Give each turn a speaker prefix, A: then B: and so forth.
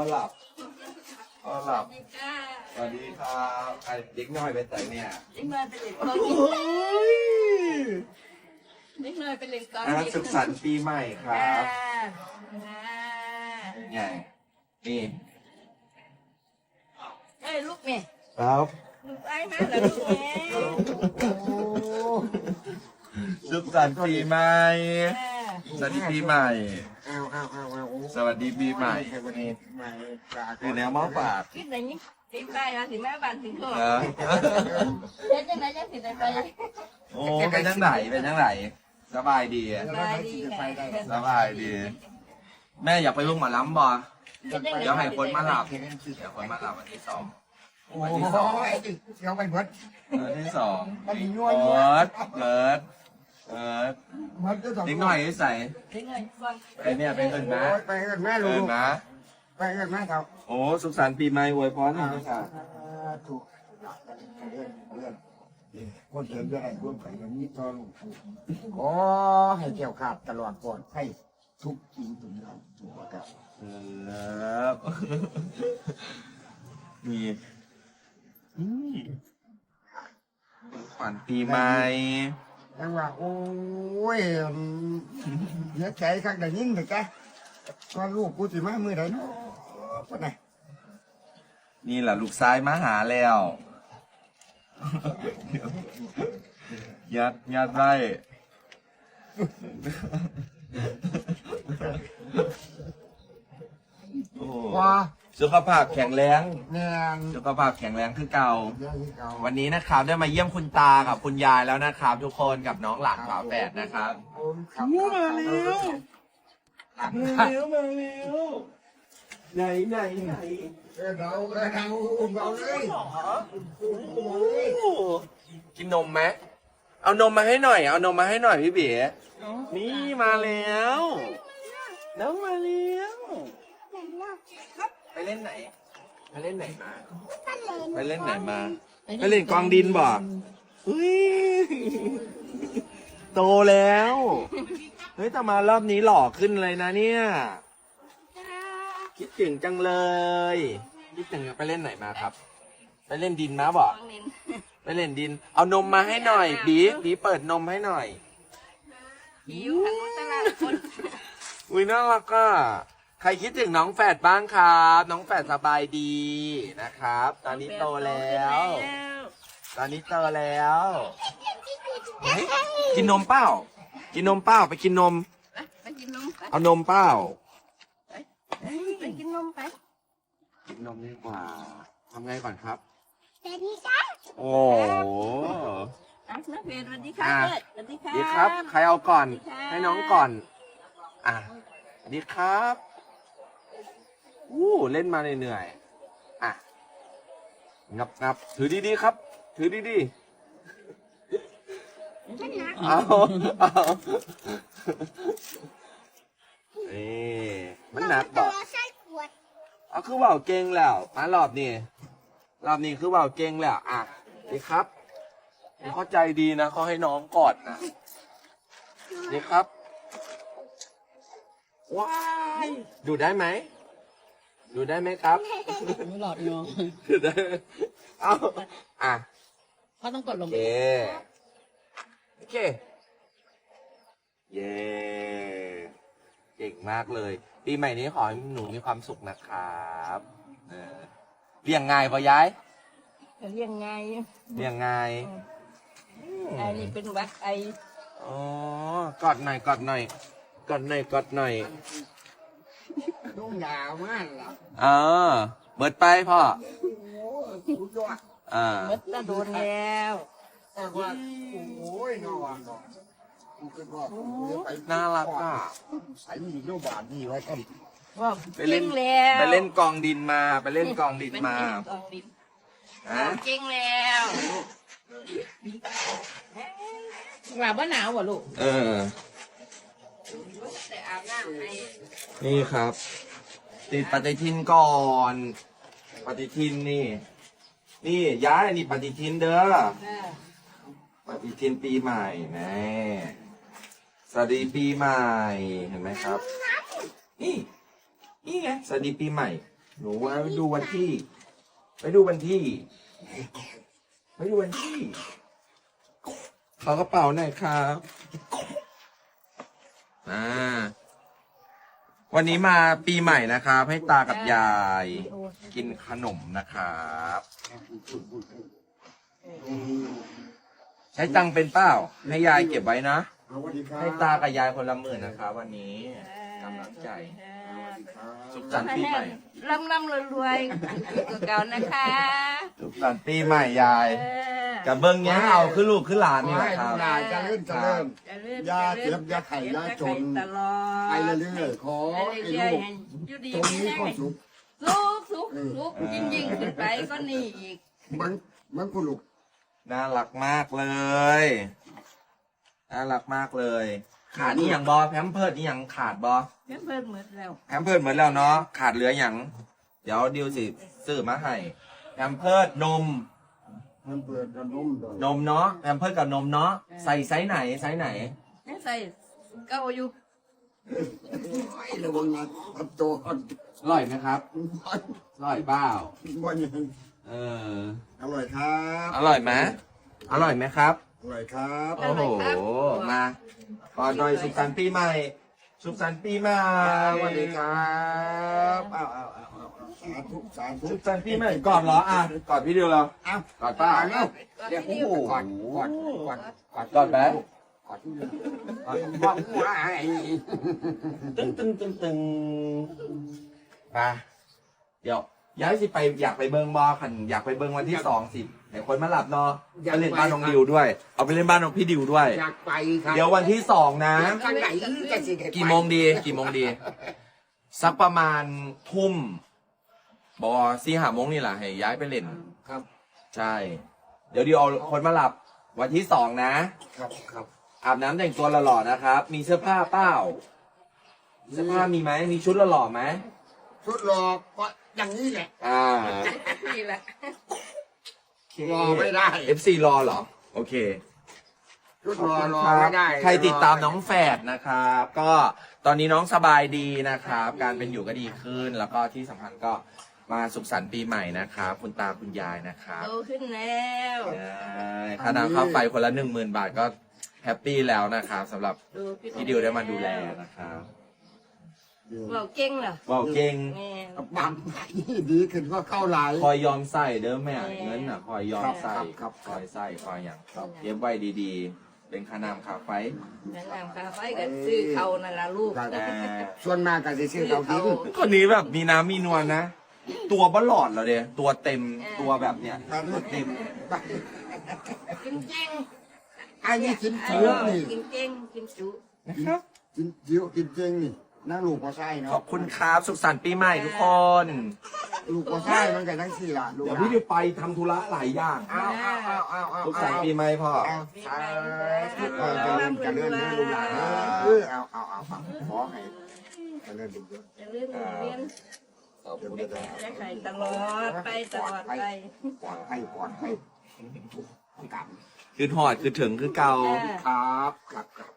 A: หลับพ่อหลับสวัสดีครับไอเด็กน้อยไปแต่เนี่ย
B: เด็กน้อยเป็นเด็กก้อนเด็กน้อยเป็นเด็กก้อน
A: สุขสันต์ปีใหม่ครับไงนี่
B: เอ้ยลูกแม่
A: ครับ
B: ลูกไอ้มาแล้วลูกแม่
A: สุขสันต์ปีใหม่สวัสดีปีใหม่สวัสดีปีใหม่คือแนวม้อปาก
B: คิดอะไรนี่ติดไปนะถึงแม่บ้านถึงก็เจ๊จังไหนจังติดไป
A: โอ้เป็นจังไหนเป็นจังไหนสบายดีสบายดีแม่อยากไปลุงหมาล้ำบ่เดี๋ยวให้คนมาหลับเดี๋ยวคนมาหลับวันที่2
C: วันที่2เราไปเบิด
A: วันที่2
C: มันยั่ว
A: เบิร์ดนิดหน่อยใส่ไปเนี่ยไปเอิญนะ
C: ไปเอิญแม่ลูก
A: นะ
C: ไปเอิญแม่เขา
A: โอ้สุขสันต์ปีใหม่อวยพรให้ค่ะ
C: ถูกเรื่องคนเดินได้ร่วมกันอย่างนี้ตอนขอให้แก้วขาดตลอดปลอดให้ทุกสิ่งทุกอย่างถูกครับ
A: มีขวัญปีใหม่
C: ยังว่าโอ้ยเนื้อใจข้างใดยิ่งเลยแกก็ลูกกูสิมามือใดเนาะปะไหน
A: นี่แหละลูกซ้ายมาหาแล้วยัดไว้
C: ว้า
A: สุขภาพแข็งแรง
C: เนี่ย
A: สุขภาพแข็งแรงคือเก่าวันนี้นะครับได้มาเยี่ยมคุณตากับคุณยายแล้วนะครับทุกคนกับน้องหลานฝาแฝดนะครับมาแล้วไหน
C: เราเลย
A: กินนมไหมเอานมมาให้หน่อยเอานมมาให้หน่อยพี่เบ๋นี่มาแล้วน้องมาแล้วไปเล่นไหนไปเล่นไหนมาไปเล่นไหนมาไปเล่นกองดินบ่อุ้ยโตแล้วเฮ้ยแต่มารอบนี้หล่อขึ้นเลยนะเนี่ยคิดถึงจังเลยคิดถึงไปเล่นไหนมาครับไปเล่นดินมาบ่ไปเล่นดินเอานมมาให้หน่อยบีเปิดนมให้หน่อย
B: อยู่ทางตลาดคน
A: อุ้ยน่ารักอ่ะใครคิดถึงน้องแฝดบ้างครับน้องแฝดสบายดีนะครับตอนนี้โตแล้วตอนนี้โตแล้วกินนมเปล่ากินนมเปล่าไปกินนม
B: ไปกินนม
A: เอานมเปล่า
B: ไปกินนมไป
A: กินนมดีกว่าทำไงก่อนครับ
B: สวัสดีครับ
A: โอ้
B: นักเรียนสวัสดีครับสวัสดีครับ
A: ดีครับใครเอาก่อนให้น้องก่อนดีครับเล่นมาเหนื่อยงับถือดีๆครับถือดีๆเอามันหนักบ่เอาคือว่าเก่งแล้วมารอบนี้คือว่าเก่งแล้วดีครับนี่เขาใจดีนะเขาให้น้องกอดนะดีครับว้ายดูได้ไหมครับ
B: ไม่หลอดเนาะ
A: ดูได้เอา
B: เขาต้องกดลง
A: โอเคเย้เก่งมากเลยปีใหม่นี้ขอให้หนูมีความสุขนะครับเลี้ยงง่ายป่ะยาย
B: เลี้ยงง่ายไอ้นี่เป็นวัด
A: อ๋อกอดหน่อย
C: นุ่งยาวมากเหร
A: อเบิดไปพ่อ
B: เบิดจะโดนแล้ว
C: โอ้ย
A: น่ารัก
C: ใส่มีโนบานนี่ไว้กัน
A: ไปเล่นกองดินมาเก่
B: งแล้วหลับว่าหนาววะลูก
A: นี่ครับติดปฏิทินก่อนปฏิทินนี่ย้ายนี่ปฏิทินเด้อปฏิทินปีใหม่นะสวัสดีปีใหม่เห็นไหมครับนี่ไงสวัสดีปีใหม่หนูว่าไปดูวันที่ ไปดูวันที่ ไปดูวันที่ขอกระเป๋าหน่อยครับวันนี้มาปีใหม่นะครับให้ตากับยายกินขนมนะครับใช้ตังค์เป็นเป้าให้ยายเก็บไว้นะ
C: สวัสดีครับ
A: ให้ตากับยายคนละหมื่นนะครับวันนี้กำลังใจสุขสันต์ปีใหม่
B: ร่ำรวยๆตัวเก่านะคะ
A: สุขสันต์ปีใหม่ยายกับเบิ้งเนี้ยเอาขึ้นลูกขึ้นหลานนี่แหละครับ
C: ยายจะเล่นจะเริ่มยาเจ็บยาไข่ยาจน
B: ตลอด
C: ไปเรื่อยๆขอไอ้ลูก
B: อยู่ดี
C: ตรงนี้ก็สุข
B: สุกยิ่งขึ้นไปก็นี่อีก
C: มันคุณลูก
A: น่ารักมากเลยน่ารักมากเลย ขาดนี่อย่างบอแพมเพิร์ดนี่อย่างขาดบอ
B: เพิ่มหมดแล้ว
A: แพมเพิร์ดเหมือนแล้วเนาะขาดเหลืออย่างเดี๋ยวดิวสิซื้อมาให้แพมเพิร์ดนม
C: มันเปิดกระนุ่มเลย
A: นมเนาะแพมเพิร์ดกับนมเนาะใส่ไซส์ไหนไซส์ไหน
B: ใส่เก้าอยู่
C: ไอ้ระวังนะทับตัว
A: อร่อยไหมครับอร่อยเปล่า
C: วันยัง
A: เออ
C: อร่อยครับ
A: อร่อยไหมอร่อยไหมครับ
C: อร่อยครับ
A: โอ้โหมาก่อนหน่อยสุขสันต์ปีใหม่ สุขสันต์ปีใหม่
C: สวัสดีครับเอาสาธุสาธุ
A: สุขสันต์ปีใหม่ก่อนเหรออ่ะก่อนพี่ดิวเรา
C: เอา
A: ก่อนป้า
C: เร็ว
B: เดี๋ยว
C: โอ้โหก่อน
A: ก่อนแบ๊ะ
C: ก่อนบอกว่าไอ้
A: ตึ้งไปเดี๋ยวย้ายสิไปอยากไปเบิงบอขันอยากไปเบิงวันที่20เดี๋ยวคนมาหลับเนาะไปเล่นบ้านน้องดิวด้วย เอาไปเล่นบ้านน้องพี่ดิวด้วย
C: อยากไปครับ
A: เดี๋ยววันที่2นะ
C: ข้างไหนจะสิ
A: กี่โมงดีสักประมาณทุ่มบอ4-5 โมงนี่แหละให้ย้ายไปเล่น
C: ครับ
A: ใช่ เดี๋ยวเอาคนมาหลับวันที่2นะครับ อาบน้ำแต่งตัวหล่อๆนะครับ มีเสื้อผ้าเปล่าเสื้อผ้ามีไหมมีชุดหล่อๆไหม
C: ชุดหลอกก็อย่างนี้แหละ
B: นี่แหละ
C: รอไม่ได้
A: FC รอเหรอ โอเค
C: ชุดรอไม่ได้
A: ใครติดตามน้องแฝดนะครับ ก็ตอนนี้น้องสบายดีนะครับ การเป็นอยู่ก็ดีขึ้น แล้วก็ที่สำคัญก็มาสุขสันต์ปีใหม่นะครับคุณตาคุณยายนะครับ
B: โตขึ้นแล้ว
A: ค่าน้ำค่าไฟคนละ 10,000 บาทก็แฮปปี้แล้วนะครับสำหรับพี่ดิวได้มาดูแลนะครับ
B: เราเก่งเหรอ
A: บอกเก่ง
B: แม่
C: บางดีขึ้นก็เข้าหลาย
A: คอยยอมใส่เด้อแม่เงินน่ะคอยยอมใส่
C: ครับ
A: คอยใส่คอยอย่างเก็บไว้ดีๆ เป็นค่าน้ำค่าไฟ
B: แนะนำค่าไฟก็ซื้อเขานั่นละลูก
C: ครับ
A: แต่
C: ส่วนมากก็จะซื้อเขาทิ้ง
A: คนนี้แบบมีน้ำมีนวลนะ ตัวบลอดเหรอเดียตัวเต็มตัวแบบเนี้ยตัวเต็ม
B: กินเก่ง
C: อันนี้กิน
B: เอ
C: จุ
B: อ
C: นี่
B: กินเก่งกินจุ
A: นะครับ
C: กินจิ๋วกินเจงนี่นั่งลูกก็ใช่
A: ขอ
C: เนาะ
A: บคุณครับสุขสันต์ปีใหม่ทุกคน
C: ลูกก็ใช่มันก็ทั้งสี่ละลูก
A: เดี๋ยวพี่ดิวไปทำธุระหลายอย่าง
C: เอา
A: สุขสันต์ปีใหม่พ่อ
C: เอาสาธุจะเลื่อนลูกหลานเอาขอให้จะเลื่อนลูก
B: จะเลื่อนเรียน
A: ขอบคุณครับ
B: จะไข่ตลอดไปตลอดไป
C: ปลอดภัยกลับ
A: คือหอดคือถึงคือเก่า
C: ครับ